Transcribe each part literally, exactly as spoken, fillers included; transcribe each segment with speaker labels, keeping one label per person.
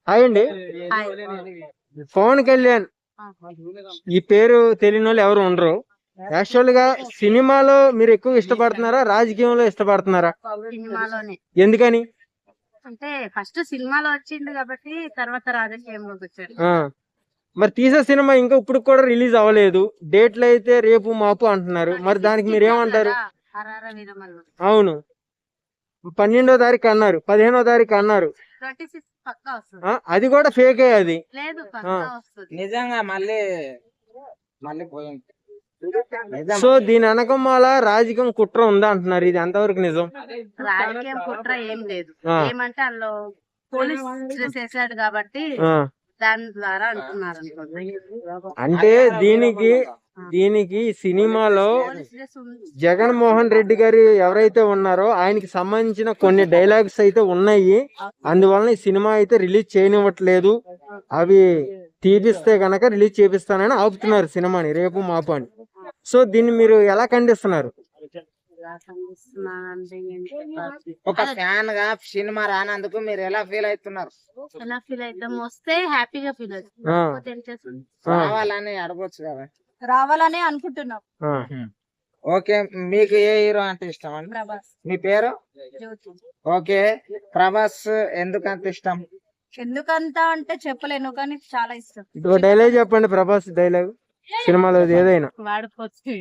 Speaker 1: Hi అండి. పవన్ కళ్యాణ్ ఈ పేరు తెలియని వాళ్ళు ఎవరు ఉండరు. యాక్చువల్ గా సినిమాలో మీరు ఎక్కువ ఇష్టపడుతున్నారా, రాజకీయంలో ఇష్టపడుతున్నారా?
Speaker 2: సినిమాలోనే.
Speaker 1: ఎందుకని?
Speaker 2: అంటే ఫస్ట్ సినిమాలో వచ్చిండు కాబట్టి తర్వాత రాజకీయంలోకి వచ్చాడు.
Speaker 1: ఆ మరి తీసే సినిమా ఇంకా ఇప్పుడు కూడా రిలీజ్ అవ్వలేదు. డేట్లు అయితే రేపు మాపు అంటున్నారు. మరి దానికి మీరు ఏమంటారు?
Speaker 2: హరహర వీరమల్లు
Speaker 1: అవును, పన్నెండో తారీఖు అన్నారు, పదిహేనో తారీఖు అన్నారు.
Speaker 2: ట్వంటీ సిక్స్ పక్కా వస్తుంది.
Speaker 1: ఆ, అది కూడా ఫేకే. అది
Speaker 2: లేదు పక్కా వస్తుంది.
Speaker 3: నిజంగా మళ్ళీ మళ్ళీ పోయింది.
Speaker 1: సో దీని వెనకమాల రాజకీయం కుట్ర ఉందా అంటున్నారు. ఇది ఎంతవరకు నిజం?
Speaker 2: రాజకీయం కుట్ర ఏం లేదు.
Speaker 1: ఆ.
Speaker 2: ఏమంటే అందులో పోలీస్ చేశాడు కాబట్టి
Speaker 1: ఆ,
Speaker 2: దాని ద్వారా అంటున్నారు అనుకోండి.
Speaker 1: అంటే దీనికి దీనికి సినిమాలో
Speaker 2: పోలీస్ డ్రెస్ ఉంది.
Speaker 1: జగన్మోహన్ రెడ్డి గారు ఎవరైతే ఉన్నారో ఆయనకి సంబంధించిన కొన్ని డైలాగ్స్ అయితే ఉన్నాయి. అందువలన ఈ సినిమా అయితే రిలీజ్ చేయనివ్వట్లేదు. అవి తీపిస్తే గనక రిలీజ్ చేపిస్తానని ఆపుతున్నారు సినిమాని రేపు మాపు అని. సో దీన్ని మీరు ఎలా ఖండిస్తున్నారు?
Speaker 2: ఎలా కనిపిస్తున్నానంటే ఏంటి?
Speaker 3: ఒక ఫ్యాన్ గా సినిమా రానందుకు మీరు ఎలా ఫీల్ అవుతున్నారు?
Speaker 2: ఎలా ఫీల్ అవుతాం? వస్తే హ్యాపీగా ఫీల్ అవుతాం.
Speaker 1: ఆ.
Speaker 2: లేకపోతే ఏం చేస్తాం?
Speaker 1: ఆ,
Speaker 3: రావాలని అడగొచ్చు కదా.
Speaker 2: రావాలనే అనుకుంటున్నాం.
Speaker 1: ఆ.
Speaker 3: ఓకే, మీకు ఏ హీరో అంటే ఇష్టం అండి?
Speaker 2: ప్రభాస్,
Speaker 3: మీ పేరు?
Speaker 2: జ్యోతి.
Speaker 3: ఓకే, ప్రభాస్ ఎందుకంత ఇష్టం?
Speaker 2: ఎందుకంత అంటే చెప్పలేను కానీ చాలా ఇష్టం.
Speaker 1: ఒక డైలాగ్ చెప్పండి, ప్రభాస్ డైలాగ్ సినిమాలో ఏదైనా.
Speaker 2: వాడిపోతే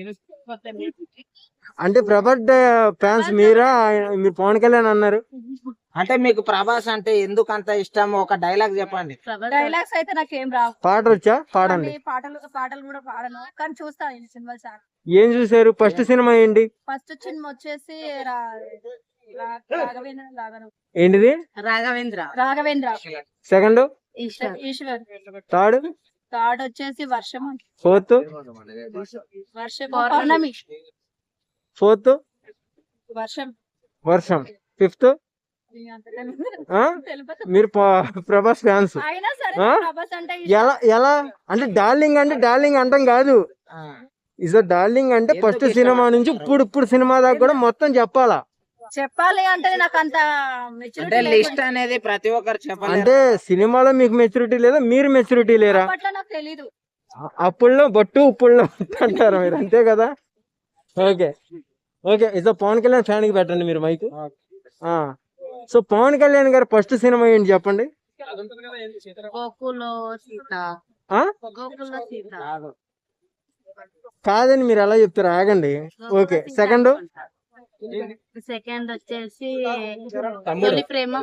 Speaker 1: అంటే ప్రభాస్ ఫ్యాన్స్ మీరా? ఆయన- మీరు పవన్ కళ్యాణ్ అన్నారు.
Speaker 3: అంటే మీకు ప్రభాస్ అంటే ఎందుకంత ఇష్టం? ఒక డైలాగ్ చెప్పండి.
Speaker 2: డైలాగ్స్ అయితే నాకేం రావు.
Speaker 1: పాట వచ్చా? పాడండి.
Speaker 2: పాటలు పాటలు కూడా పాడను కానీ చూస్తాను సినిమా చాలా.
Speaker 1: ఏం చూసారు? ఫస్ట్ సినిమా ఏంటి?
Speaker 2: ఫస్ట్ సినిమా వచ్చేసి రా- రా- రాఘవేంద్ర రాఘవ-
Speaker 1: ఏంటిది?
Speaker 2: Raghavendra Raghavendra
Speaker 1: second,
Speaker 2: Eeshwar Eeshwar
Speaker 1: third,
Speaker 2: third వచ్చేసి వర్షం
Speaker 1: ఫోర్త్,
Speaker 2: వర్షం పౌర్ణమి
Speaker 1: ఫోర్త్
Speaker 2: వర్షం
Speaker 1: వర్షం, ఫిఫ్త్. మీరు ప- ప్రభాస్ ఫ్యాన్స్.
Speaker 2: అయినా సరే
Speaker 1: ఆ?
Speaker 2: ప్రభాస్ అంటే
Speaker 1: ఎలా ఎలా అంటే డార్లింగ్ అంటే డార్లింగ్ అంటాం కాదు.
Speaker 3: ఆ,
Speaker 1: ఇస్ డార్లింగ్ అంటే
Speaker 3: ఎందుకు
Speaker 1: ఫస్ట్
Speaker 3: ఇష్టం
Speaker 1: సినిమా నుంచి
Speaker 3: అంటారు?
Speaker 1: ఇప్పుడు ఇప్పుడు సినిమా దాకా కూడా మొత్తం చెప్పాలా.
Speaker 2: చెప్పాలి అంటే నాకు అంత
Speaker 3: అంటే లిస్ట్ అనేది ప్రతి ఒక్కరు చెప్పాలి.
Speaker 1: అంటే సినిమాలో మీకు మెచ్యూరిటీ లేదా, మీరు మెచ్యూరిటీ లేరా?
Speaker 2: అప్పట్లో నాకు తెలీదు.
Speaker 1: అప్పుల్లో బట్టు ఉప్పుల్లో అంటారు మీరు, అంతే కదా? Okay okay is Pawan Kalyan fan కి పెట్టండి మీరు మైక్. సో పవన్ కళ్యాణ్ గారు ఫస్ట్ సినిమా ఏంటి చెప్పండి?
Speaker 2: గోకులో సీత
Speaker 1: ఆ?
Speaker 2: గోకులో సీత
Speaker 1: కాదని మీరు ఎలా చెప్తారు? ఆగండి. ఓకే సెకండ్,
Speaker 2: సెకండ్ వచ్చేసి
Speaker 3: తమ్ముడు.
Speaker 2: తొలి ప్రేమ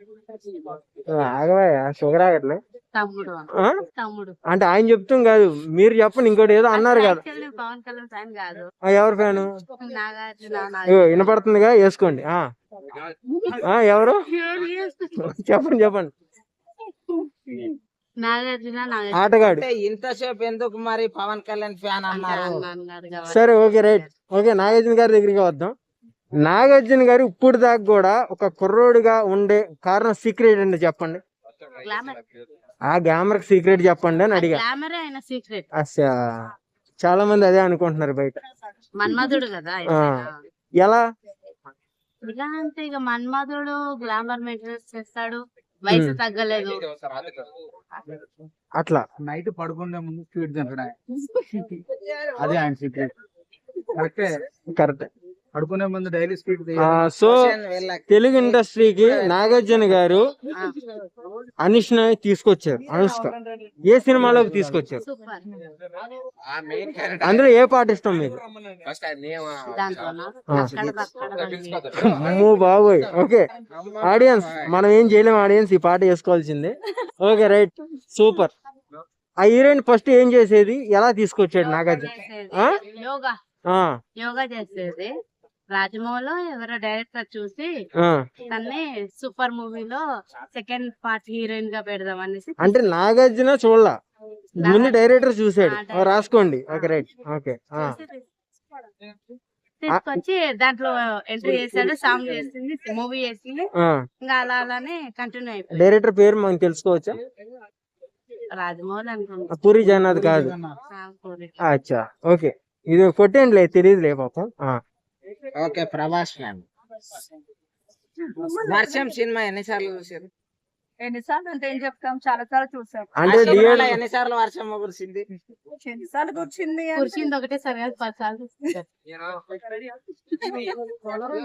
Speaker 1: ఆగవా షుగర్ ఆగట్లే.
Speaker 2: తమ్ముడు
Speaker 1: ఆ?
Speaker 2: తమ్ముడు
Speaker 1: అంటే ఆయన చెప్తాం కాదు, మీరు చెప్పండి. ఇంకోటి ఏదో అన్నారు కదా.
Speaker 2: Actually పవన్ కళ్యాణ్ ఫ్యాన్ కాదు,
Speaker 1: ఆ, ఎవరు ఫ్యాను?
Speaker 2: నాగార్జున
Speaker 1: ఇగో వినపడుతుందిగా, వేసుకోండి. ఆ ఆ, ఎవరు? చెప్పండి చెప్పండి.
Speaker 2: నాగార్జున నాగార్జున
Speaker 1: ఆటగాడు.
Speaker 3: అంటే ఇంతసేపు ఎందుకు మరి పవన్ కళ్యాణ్ ఫ్యాన్ అన్నారు?
Speaker 2: అన్నారు కాబట్టి.
Speaker 1: సరే ఓకే రైట్. ఓకే నాగార్జున గారి దగ్గరికి వద్దాం. నాగార్జున గారు ఇప్పుడు దాకా కూడా ఒక కుర్రోడిగా ఉండే కారణం సీక్రెట్ అండి చెప్పండి.
Speaker 2: Glamour.
Speaker 1: ఆ గ్లామర్ సీక్రెట్ చెప్పండి అని అడిగా.
Speaker 2: గ్లామర్ ఆయన సీక్రెట్.
Speaker 1: అచ్చా, చాలా మంది అదే అనుకుంటున్నారు బయట.
Speaker 2: మన్మధుడు కదా
Speaker 1: ఆ. ఎలా?
Speaker 2: ఇలా అంటే ఇక మన్మధుడు గ్లామర్ మెయింటెనెన్స్ చేస్తాడు, వయసు
Speaker 1: Hmm.
Speaker 2: తగ్గలేదు.
Speaker 1: అట్లా
Speaker 4: నైట్ పడుకునే ముందు స్వీట్ తింటాడు ఆయన. అదే ఆయన సీక్రెట్. కరెక్టే,
Speaker 1: కరెక్ట్.
Speaker 4: పడుకునే ముందు డైలీ స్వీట్
Speaker 1: సో
Speaker 3: క్వశ్చన్ వీళ్ళకి.
Speaker 1: తెలుగు ఇండస్ట్రీకి నాగార్జున గారు
Speaker 2: ఆ,
Speaker 1: అనుష్ని తీసుకొచ్చారు. అనుష్క ఏ సినిమాలోకి తీసుకొచ్చారు?
Speaker 2: సూపర్.
Speaker 1: అందులో ఏ పాట ఇష్టం మీకు?
Speaker 2: దాంట్లోనా
Speaker 1: ఆ.
Speaker 2: అక్కడ అక్కడ బండి.
Speaker 1: అమ్మో బాబోయ్. ఓకే ఆడియన్స్, మనం ఏం చేయలేం. ఆడియన్స్ ఈ పాట వేసుకోవాల్సిందే. Okay right, super. ఆ హీరోయిన్ ఫస్ట్ ఏం చేసేది, ఎలా తీసుకొచ్చాడు నాగార్జున?
Speaker 2: చేసేది.
Speaker 1: ఆ?
Speaker 2: యోగా
Speaker 1: ఆ,
Speaker 2: యోగా చేసేది. రాజమౌళిలో ఎవరో డైరెక్టర్ చూసి
Speaker 1: ఆ.
Speaker 2: తన్ని సూపర్ మూవీలో సెకండ్ పార్ట్ హీరోయిన్ గా పెడదాం అనేసి
Speaker 1: అంటే నాగార్జున చూడలా, ముందు డైరెక్టర్ చూసాడు.
Speaker 2: ఆ,
Speaker 1: ఓ, రాసుకోండి. Okay right. ఓకే ఆ.
Speaker 2: తీసుకొచ్చి దాంట్లో ఎంట్రీ చేశాడు, సాంగ్ చేసింది, మూవీ చేసింది.
Speaker 1: ఆ.
Speaker 2: ఇంకా అలా అలానే కంటిన్యూ అయిపోయింది.
Speaker 1: డైరెక్టర్ పేరు మనం తెలుసుకోవచ్చా?
Speaker 2: రాజమౌళి అనుకుంటా.
Speaker 1: పూరి జగన్నాథ్ కాదు.
Speaker 2: ఆ, పూరి.
Speaker 1: అచ్చా ఓకే, ఇది కొట్టేయండిలే, తెలియదులే పాపం. ఆ.
Speaker 3: Okay, Prabhas fan. Varsham cinema ఎన్నిసార్లు చూసారు?
Speaker 5: ఎన్నిసార్లు అంటే ఏం చెప్తాం, చాలా సార్లు చూసాం.
Speaker 1: అంటే
Speaker 3: అశోకనగర్లో
Speaker 1: థియేటర్
Speaker 3: ఎన్నిసార్లు వర్షం కురిసింది?
Speaker 5: ఎన్నిసార్లు కూర్చుంది అంటే
Speaker 2: కుర్చీంది ఒకటే సరే పది సార్లు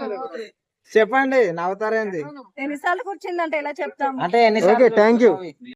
Speaker 3: చెప్పండి, నవ్వుతారేంది?
Speaker 5: ఎన్నిసార్లు కూర్చుందంటే ఎలా చెప్తాం?
Speaker 3: అంటే ఎన్నిసార్లు
Speaker 1: Okay, thank you.
Speaker 3: చూసావు?